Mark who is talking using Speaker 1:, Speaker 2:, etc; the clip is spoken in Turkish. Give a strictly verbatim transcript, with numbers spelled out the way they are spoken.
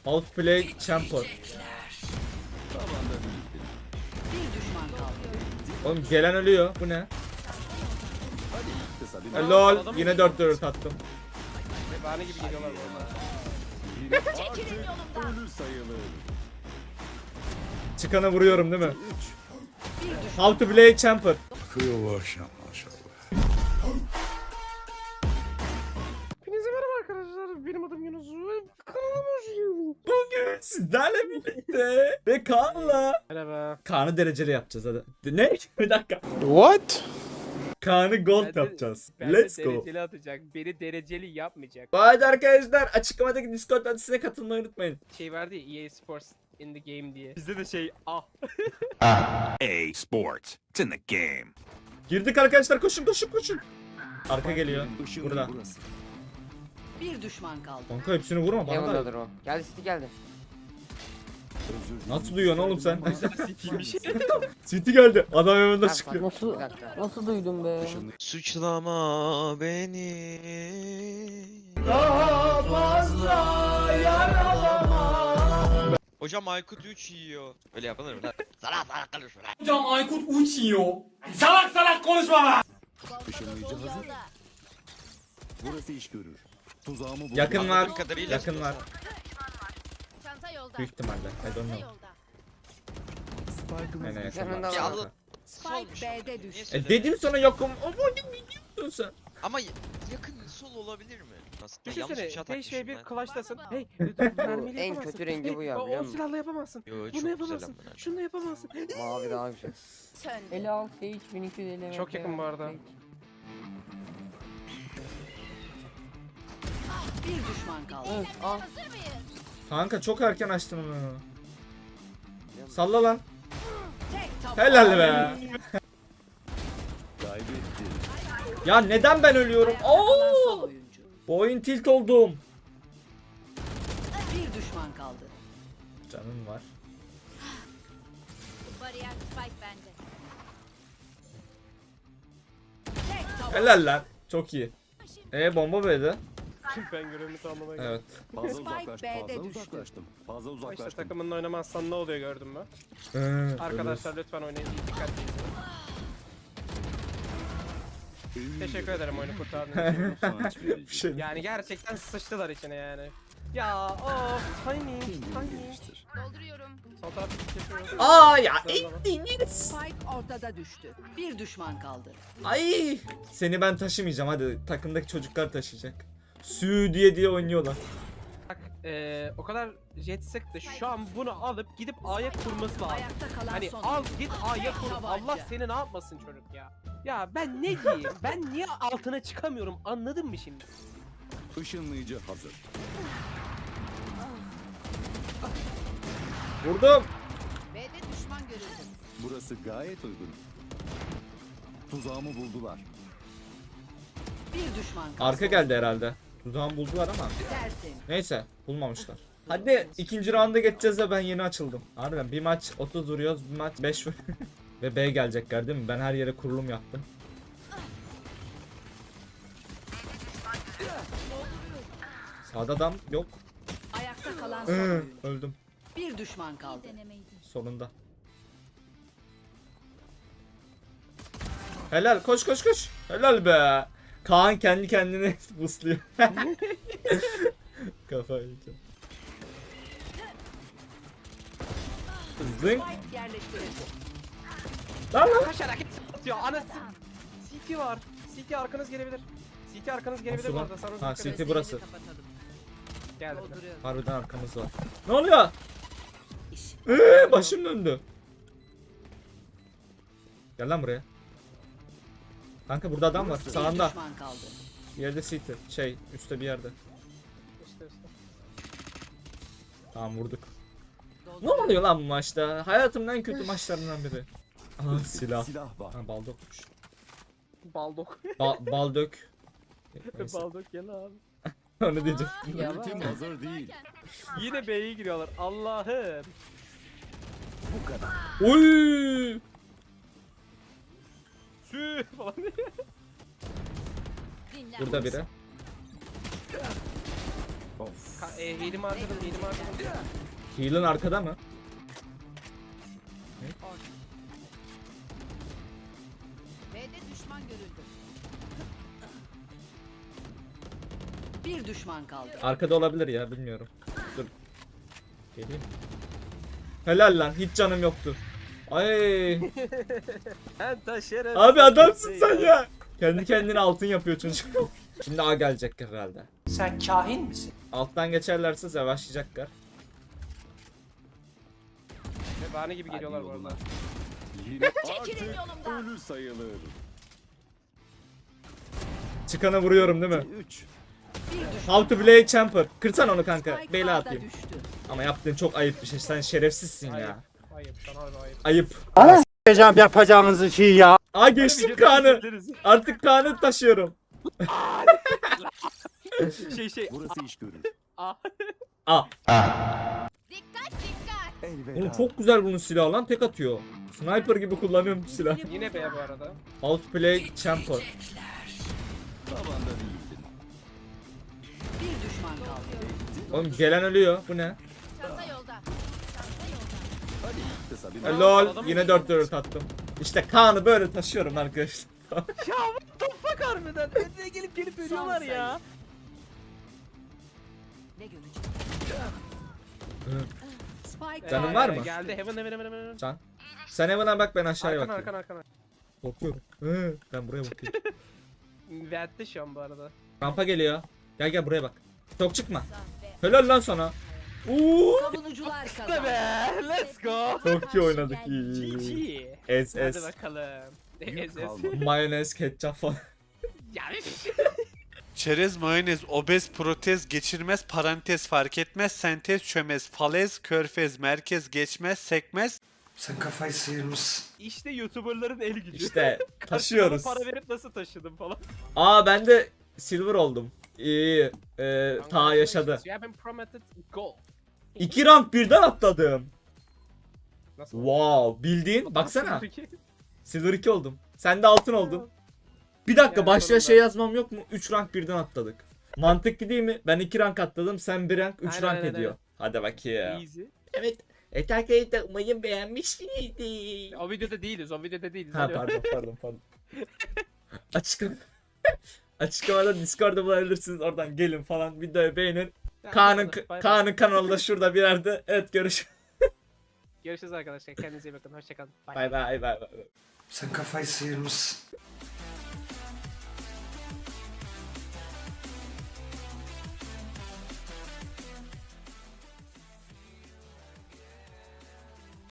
Speaker 1: Outplay champion.
Speaker 2: Bir düşman kaldı.
Speaker 1: Oğlum gelen ölüyor. Bu ne?
Speaker 3: Kısa bir
Speaker 1: E, lol. Yine dört dört attım.
Speaker 4: Bahane gibi geliyorlar bu arada.
Speaker 3: ölü sayılır.
Speaker 1: Çıkanı vuruyorum değil mi?
Speaker 2: Bir düşman.
Speaker 1: How to play champion.
Speaker 4: Hepinize merhaba arkadaşlar. Benim adım Yunus. Kanalıma hoş geldiniz.
Speaker 1: Bugün sizlerle birlikte ve Kaan'la
Speaker 4: Merhaba.
Speaker 1: Kaan'ı dereceli yapacağız hadi. Ne? Bir dakika.
Speaker 5: What?
Speaker 1: Kaan'ı gold
Speaker 4: Ben de-
Speaker 1: yapacağız.
Speaker 4: Ben
Speaker 1: Let's
Speaker 4: de
Speaker 1: go.
Speaker 4: dereceli atacak. Beni dereceli yapmayacak.
Speaker 1: Haydi arkadaşlar açıklamadaki Discord adresine katılmayı unutmayın.
Speaker 4: Şey vardı ya E A Sports in the game diye. Bizde de şey ah.
Speaker 6: A Sports. It's in the game.
Speaker 1: Girdik arkadaşlar koşun koşun koşun. Arka geliyor.
Speaker 3: Işığın
Speaker 1: Burada.
Speaker 3: burası.
Speaker 2: Bir düşman kaldı.
Speaker 1: Kanka hepsini vurma bana da.
Speaker 5: Heaven'dadır o. Geldi City geldi.
Speaker 3: Özür dilerim.
Speaker 1: Nasıl duyuyorsun oğlum sen?
Speaker 4: City'ymiş.
Speaker 1: City geldi. Adam önünde
Speaker 5: Ha,
Speaker 1: çıkıyor.
Speaker 5: Nasıl? Bir dakika. Nasıl duydum be?
Speaker 3: Işığın
Speaker 7: Suçlama beni. Hocam Aykut üç yiyor. Öyle yapılır mı lan? Salak salak konuşma lan.
Speaker 3: ışınlayıcı hazır. Burası iş görür. Tuzağımı buldu.
Speaker 1: Yakın var.
Speaker 7: Anladığım kadarıyla-
Speaker 1: Yakın var.
Speaker 8: Çanta yolda.
Speaker 1: Büyük ihtimalle. I don't
Speaker 8: Çanta
Speaker 1: know.
Speaker 8: yolda.
Speaker 3: Spike'ımız
Speaker 1: Aynen
Speaker 3: düştü.
Speaker 1: yakın
Speaker 5: Yakında
Speaker 1: var.
Speaker 7: Ya
Speaker 5: var.
Speaker 7: Allah-
Speaker 2: Spike
Speaker 7: Solmuş ama.
Speaker 2: B'de
Speaker 7: Niye
Speaker 2: düştü.
Speaker 1: E
Speaker 7: söyledin?
Speaker 1: dedim sana yokum. Ama ne biliyorsun sen?
Speaker 7: Ama yakın sol olabilir mi? Nasıl? Yanlış
Speaker 4: Düşünsene
Speaker 7: bıçağı
Speaker 4: beş ve
Speaker 7: takmışım
Speaker 4: bir
Speaker 7: ben.
Speaker 4: clash'tasın. Hey,
Speaker 5: Bu
Speaker 4: mermiyle
Speaker 5: en
Speaker 4: yapamazsın.
Speaker 5: kötü rengi bu ya,
Speaker 4: Hey, o-
Speaker 5: biliyor
Speaker 4: O
Speaker 5: musun?
Speaker 4: silahla yapamazsın.
Speaker 7: Yo, çok
Speaker 4: Bunu
Speaker 7: güzel
Speaker 4: yapamazsın.
Speaker 7: amına.
Speaker 4: Şunu da yapamazsın.
Speaker 5: Mavi daha güzel.
Speaker 8: Söndü.
Speaker 5: Ele al Sage bin iki yüz elli.
Speaker 4: Çok yakın bu arada.
Speaker 2: Bir düşman kaldı.
Speaker 5: Evet, al.
Speaker 8: Hazır mıyız?
Speaker 1: Kanka çok erken açtın onu. Salla lan.
Speaker 2: Tek taban.
Speaker 1: Helal be.
Speaker 3: Kaybetti.
Speaker 1: Ya neden ben ölüyorum?
Speaker 2: Ayakta kalan son
Speaker 1: Oo!
Speaker 2: oyuncu.
Speaker 1: Bu oyun tilt oldum.
Speaker 2: Bir düşman kaldı.
Speaker 1: Canım var.
Speaker 8: Bariyer spike bende.
Speaker 2: Tek taban.
Speaker 1: Helal lan. Çok iyi. E bomba B'de.
Speaker 4: Ben görevimi tamamlamaya
Speaker 1: Evet.
Speaker 3: Fazla
Speaker 2: Spike
Speaker 3: uzaklaştım.
Speaker 2: B'de
Speaker 3: Fazla
Speaker 2: düştü.
Speaker 3: uzaklaştım. Fazla
Speaker 4: İşte
Speaker 3: uzaklaştım.
Speaker 4: takımınla oynamazsan ne oluyor gördün mü?
Speaker 1: Ee,
Speaker 4: Arkadaşlar lütfen oynayın. Dikkatli izleyin. Teşekkür ederim oyunu kurtardığınız için.
Speaker 1: Bir şey.
Speaker 4: Yani gerçekten sıçtılar içine yani. Ya of timing timing.
Speaker 8: Dolduruyorum.
Speaker 4: Sol tarafı kesiyor.
Speaker 1: Aa ya
Speaker 4: Zorlama.
Speaker 1: ettiniz.
Speaker 2: Spike ortada düştü. Bir düşman kaldı.
Speaker 1: Ay. Seni ben taşımayacağım hadi. Takımdaki çocuklar taşıyacak. Sü diye diye oynuyorlar.
Speaker 4: Bak eee o kadar jet sıktı. Şu an bunu alıp gidip A'ya kurması lazım.
Speaker 2: Ayakta kalan
Speaker 4: Hani
Speaker 2: son
Speaker 4: al
Speaker 2: oyuncu.
Speaker 4: git A'ya kur.
Speaker 2: Tabanca.
Speaker 4: Allah seni ne yapmasın çocuk ya. Ya ben ne diyeyim? Ben niye altına çıkamıyorum? Anladın mı şimdi?
Speaker 3: Işınlayıcı hazır.
Speaker 1: Vurdum.
Speaker 8: B'de düşman görüldü.
Speaker 3: Burası gayet uygun. Tuzağımı buldular.
Speaker 2: Bir düşman kaldı.
Speaker 1: Arka geldi herhalde. Tuzağımı buldular ama.
Speaker 2: Dersin.
Speaker 1: Neyse bulmamışlar. Hadi ikinci rounda geçeceğiz de ben yeni açıldım. Harbiden bir maç otuz vuruyoruz, bir maç beş vur. Ve B gelecekler değil mi? Ben her yere kurulum yaptım. Sağda adam yok.
Speaker 2: Ayakta kalan son
Speaker 1: Hı,
Speaker 2: oyuncu.
Speaker 1: öldüm
Speaker 2: Bir düşman kaldı.
Speaker 8: Denemeydi.
Speaker 1: sonunda. Helal koş koş koş. Helal be. Kaan kendi kendine busluyor. Kafayı yiyeceğim. Zınk.
Speaker 2: Spike yerleştirildi.
Speaker 1: Lan lan.
Speaker 4: Kaç hareket atıyor anası. C T var. C T arkanız gelebilir. C T arkanız gelebilir
Speaker 1: Nasıl
Speaker 4: bu
Speaker 1: lan?
Speaker 4: arada. Sana
Speaker 1: Ha,
Speaker 4: dikkat
Speaker 1: C T
Speaker 4: edin.
Speaker 1: burası.
Speaker 2: Kapatalım.
Speaker 4: Geldi.
Speaker 2: Dolduruyorum.
Speaker 1: Harbiden arkamız var. Ne oluyor? Eee başım döndü. Gel lan buraya. Kanka burada adam var.
Speaker 2: Bir
Speaker 1: Sağında.
Speaker 2: düşman kaldı.
Speaker 1: Bir yerde City. Şey üstte bir yerde.
Speaker 4: İşte işte.
Speaker 1: Tamam vurduk. Ne oluyor lan bu maçta? Hayatımın en kötü maçlarından biri. Aha silah.
Speaker 3: Silah var.
Speaker 1: Ha baldokmuş.
Speaker 4: Baldok.
Speaker 1: Ba baldök. Neyse,
Speaker 4: Baldok gel abi.
Speaker 1: onu diyeceğim.
Speaker 3: Ultim hazır değil.
Speaker 4: Yine B'ye giriyorlar. Allah'ım.
Speaker 3: Bu kadar.
Speaker 1: Oy!
Speaker 4: Sü falan.
Speaker 8: Dinlen.
Speaker 1: Burada biri.
Speaker 3: Of.
Speaker 4: Ka- e, Healim'i harcadım, healim'i harcadım.
Speaker 1: Heal'ın arkada mı?
Speaker 8: B'de düşman görüldü.
Speaker 2: Bir düşman kaldı.
Speaker 1: Arkada olabilir ya, bilmiyorum. Dur. Geleyim. Helal lan, hiç canım yoktu. Ay.
Speaker 4: Ben taşırım.
Speaker 1: Abi adamsın sen ya. Kendi kendine altın yapıyor çocuk. Şimdi A gelecek herhalde.
Speaker 9: Sen kahin misin?
Speaker 1: Alttan geçerlerse savaşacaklar.
Speaker 4: Ve bahane gibi geliyorlar bu arada.
Speaker 3: Yine
Speaker 8: Çekilin
Speaker 3: artık
Speaker 8: yolumdan.
Speaker 3: ölü sayılır.
Speaker 1: Çıkanı vuruyorum değil mi?
Speaker 3: üç.
Speaker 2: Bir düşman
Speaker 1: How to play champer. Kırsan onu kanka.
Speaker 2: Spike
Speaker 1: Beyler
Speaker 2: A'da
Speaker 1: atayım.
Speaker 2: düştü.
Speaker 1: Ama yaptığın çok ayıp bir şey. Sen şerefsizsin
Speaker 4: Ayıp.
Speaker 1: ya.
Speaker 4: Ayıp sana öyle ayıp.
Speaker 1: Ayıp.
Speaker 9: Yapacağım yapacağınızı şey ya.
Speaker 1: Aa geçtim Kaan'ı. Artık Kaan'ı taşıyorum.
Speaker 4: şey şey.
Speaker 3: Burası iş görür.
Speaker 4: Aa.
Speaker 1: Aa.
Speaker 8: Dikkat dikkat.
Speaker 3: Elveda.
Speaker 1: Oğlum çok güzel bunun silahı lan, tek atıyor. Sniper gibi kullanıyorum bu silahı.
Speaker 4: Yine B bu arada.
Speaker 1: Outplay champer.
Speaker 3: Tabanda değildin.
Speaker 2: Bir düşman kaldı.
Speaker 1: Oğlum gelen ölüyor. Bu ne?
Speaker 8: Çanta yolda. Çanta yolda.
Speaker 3: Hadi kısa bir
Speaker 1: E, lol. Yine dört dört attım. İşte Kaan'ı böyle taşıyorum arkadaşlar.
Speaker 4: Ya what the fuck harbiden. Önüne gelip gelip ölüyorlar ya.
Speaker 2: Ne görecek? Spike
Speaker 1: Canın
Speaker 4: Ee,
Speaker 1: var mı?
Speaker 4: Geldi heaven heaven heaven heaven.
Speaker 1: Can. Sen Evan'a bak, ben aşağıya
Speaker 4: Arkan
Speaker 1: bakıyorum.
Speaker 4: arkan arkan.
Speaker 1: Korkuyorum. Hı, ben buraya bakayım.
Speaker 4: Vent'te şu an bu arada.
Speaker 1: Rampa geliyor. Gel gel buraya bak. Çok çıkma. Helal lan sana. Uuu.
Speaker 2: Savunucular
Speaker 4: İşte
Speaker 2: kazandı.
Speaker 4: be. Let's go.
Speaker 1: Çok iyi oynadık. İyi,
Speaker 4: G
Speaker 1: iyi, iyi.
Speaker 4: G.
Speaker 1: Ez
Speaker 4: Hadi
Speaker 1: ez.
Speaker 4: bakalım.
Speaker 3: Yük
Speaker 4: Ez ez.
Speaker 3: kalmadı.
Speaker 1: Mayonez, ketçap falan.
Speaker 4: Yani
Speaker 10: Çerez, mayonez, obez, protez, geçirmez, parantez, fark etmez, sentez, çömez, falez, körfez, merkez, geçmez, sekmez.
Speaker 9: Sen kafayı sıyırmışsın.
Speaker 4: işte YouTuber'ların el gücü.
Speaker 1: İşte taşıyoruz.
Speaker 4: Para verip nasıl taşıdım falan.
Speaker 1: Aa ben de silver oldum. İyi. Ee, ta yaşadı.
Speaker 4: You have been promoted gold.
Speaker 1: İki rank birden atladım.
Speaker 4: Nasıl?
Speaker 1: Wow. Bildiğin. Baksana.
Speaker 4: Peki.
Speaker 1: Silver iki oldum. Sen de altın oldun. Bir dakika,
Speaker 4: Yani
Speaker 1: başlığa
Speaker 4: sonunda.
Speaker 1: şey yazmam yok mu? üç rank birden atladık. Mantıklı değil mi? Ben iki rank atladım. Sen bir rank, üç
Speaker 4: Aynen,
Speaker 1: rank
Speaker 4: aynen,
Speaker 1: ediyor. Hadi bakayım.
Speaker 4: Easy.
Speaker 1: Evet. Evet arkadaşlar, umarım beğenmişsinizdir.
Speaker 4: O videoda değiliz, o videoda değiliz.
Speaker 1: Ha
Speaker 4: Alo.
Speaker 1: pardon pardon pardon. Açıklama. Açıklamada Discord'da bulabilirsiniz. Oradan gelin falan, videoyu beğenin.
Speaker 4: Ya,
Speaker 1: Kaan'ın
Speaker 4: hadi, bay bay.
Speaker 1: Kaan'ın kanalı da şurada bir yerde. Evet, görüşürüz.
Speaker 4: Görüşürüz arkadaşlar. Kendinize iyi bakın. Hoşçakalın. Bye.
Speaker 1: Bay bay bay bay.
Speaker 9: Sen kafayı sıyırmışsın.